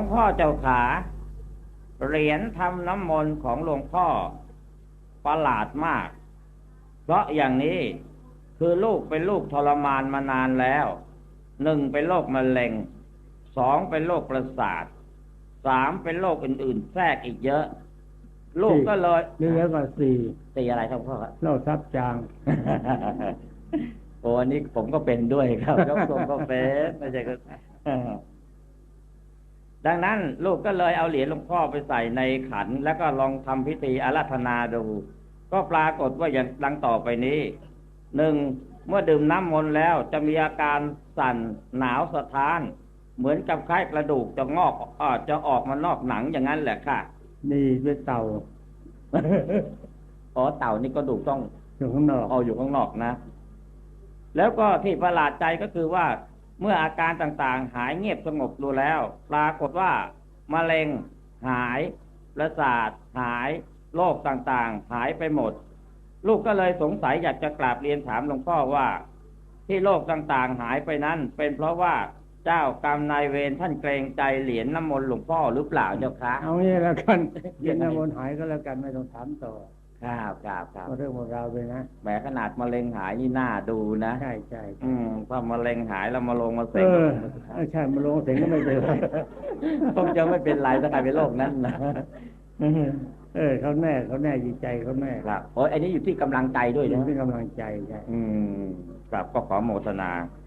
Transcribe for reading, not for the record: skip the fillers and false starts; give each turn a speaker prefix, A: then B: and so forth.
A: งพ่อเจ้าขาเหรียญทำน้ำมนต์ของหลวงพ่อประหลาดมากเพราะอย่างนี้คือลูกเป็นลูกทรมานมานานแล้วหนึ่งเป็นโรคมะเร็งสองเป็นโรคประสาทสามเป็นโรคอื่นๆแทรกอีกเยอะลูกก็เลย
B: นี่แล้วก็
A: สี่อะไรครับพ่อครับ
B: โรคทับจาง
A: โอ้อันนี้ผมก็เป็นด้วยครับยกทรงก็เป็นไม่ใช่ก็ดังนั้นลูกก็เลยเอาเหรียญหลวงพ่อไปใส่ในขันแล้วก็ลองทำพิธีอาราธนาดูก็ปรากฏว่าอย่างดังต่อไปนี้หนึ่งเมื่อดื่มน้ำมนต์แล้วจะมีอาการสั่นหนาวสะท้านเหมือนกับคล้ายกระดูกจะงอกจะออกมานอกหนังอย่างนั้นแหละค่ะ
B: นี่เป็นเต่า
A: อ๋อเต่านี่ก็ดูต้อง
B: อยู่ข้างนอก
A: อยู่ข้างนอกนะแล้วก็ที่ประหลาดใจก็คือว่าเมื่ออาการต่างๆหายเงียบสงบดูแล้วปรากฏว่ามะเร็งหายประสาทหายโรคต่างๆหายไปหมดลูกก็เลยสงสัยอยากจะกราบเรียนถามหลวงพ่อว่าที่โรคต่างๆหายไปนั้นเป็นเพราะว่าเจ้ากรรมนายเวรท่านเกรงใจเหรียญน้ำมนต์หลวงพ่อหรือเปล่าเจ้าคะ
B: เอางี้แล้วกันเหรียญน้ำมนต์หายก็แล้วกันไม่ต้องถามต่อ
A: ครับ
B: เรื่องของเราไปนะ
A: แหมขนาดมะเร็งหายนี่น่าดูนะ
B: ใช่
A: ถ้ามะเร็งหายแล้วมาลงมาเสง
B: ใช่มาลงเสงก็ไม่เป็นไร
A: คงจะไม่เป็นไรถ้าใครเป็นโรคนั้นนะ
B: เขาแน่จิตใจเขาแน่
A: ครับโอ้ยอันนี้อยู่ที่กำลังใจด้วยนะ
B: ที่กำลังใจใช่
A: ครับก็ขอโมทนา